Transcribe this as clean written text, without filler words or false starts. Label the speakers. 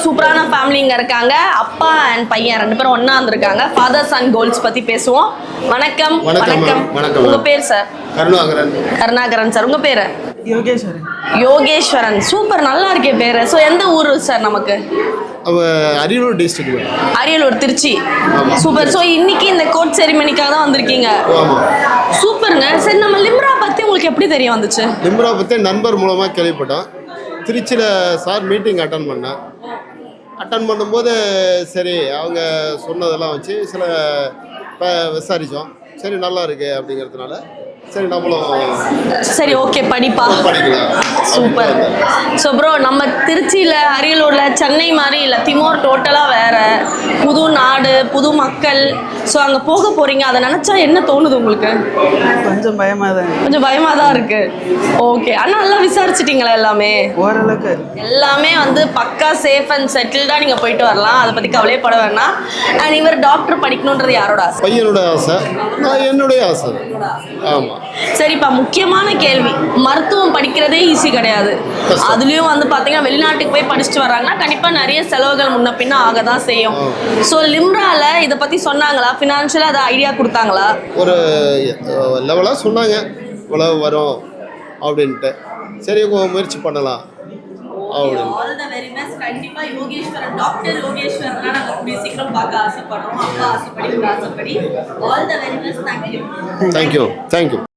Speaker 1: சூப்பரான ஃபேமிலி இங்க இருக்காங்க. அப்பா அண்ட் பையன் 2 பேரும் ஒண்ணா வந்திருக்காங்க. ஃபாதர் சன் கோல்ஸ் பத்தி பேசுவோம். வணக்கம்.
Speaker 2: வணக்கம்.
Speaker 1: உங்க பேர் சார்? கருணாகரன் சார். உங்க பேரு? யோகேஸ்வரன். சூப்பர், நல்லா இருக்கே பேரு. ஸோ எந்த ஊர் சார் நமக்கு?
Speaker 2: Ariyalur district.
Speaker 1: Ariyalur, Trichy. Super. So இன்னைக்கு இந்த கோர்ட் செரிமனிக்காக தான் வந்திருக்கீங்க. சூப்பருங்க. சரி, நம்ம லிம்ரா பத்தி உங்களுக்கு எப்படி தெரிய வந்துச்சு?
Speaker 2: லிம்ரா பத்தி நண்பர் மூலமா கேள்விப்பட்டோம். திருச்சியில் சார் மீட்டிங் அட்டன் பண்ணும்போது சரி அவங்க சொன்னதெல்லாம் வச்சு சில விசாரித்தோம். சரி நல்லா இருக்கு அப்படிங்கிறதுனால சரி நம்மளும்
Speaker 1: சரி ஓகே படிக்கலாம். சூப்பர். ஸோ ப்ரோ, நம்ம திருச்சியில் அரியலூரில் சென்னை மாதிரி இல்லை, திமோர் டோட்டலாக வேற, புது நாடு, புது மக்கள். ஸோ அங்கே போக போகிறீங்க, அதை நினச்சா என்ன தோணுது உங்களுக்கு?
Speaker 3: கொஞ்சம்
Speaker 1: பயமாக தான் இருக்கு. ஓகே, ஆனால் நல்லா விசாரிச்சிட்டிங்களா? எல்லாமே
Speaker 3: ஓரளவுக்கு
Speaker 1: எல்லாமே வந்து பக்கா சேஃப் அண்ட் செட்டில்டாக நீங்கள் போயிட்டு வரலாம். அதை பற்றி கவலையே பட வேணாம். அண்ட் இவர் டாக்டர் படிக்கணுன்றது யாரோட ஆசை?
Speaker 2: பையனோட ஆசை, என்னுடைய ஆசை. ஆமாம்.
Speaker 1: சரிப்பா, முக்கியமான கேள்வி. மருத்துவம் படிக்கிறதே ஈஸி கிடையாது. அதுலயும் வந்து பாத்தீங்கன்னா வெளிநாட்டுக்கு போய் படிச்சுட்டு வர்றாங்கன்னா கண்டிப்பா நிறைய செலவுகள் முன்ன பின்ன ஆக தான் செய்யும். ஸோ லிம்ரால இதை பத்தி சொன்னாங்களா? ஃபினான்ஷியலா அதை ஐடியா கொடுத்தாங்களா?
Speaker 2: ஒரு லெவலாக சொன்னாங்க இவ்வளவு வரும் அப்படின்ட்டு. சரி முயற்சி பண்ணலாம் அப்படின்னு.
Speaker 1: All the very best. கண்டிப்பா யோகேஸ்வரன், டாக்டர் யோகேஸ்வரன் நாங்க கூடிய சீக்கிரம் பார்க்க ஆசைப்படுறோம். அப்பா ஆசைப்படி. All the very best. Thank you.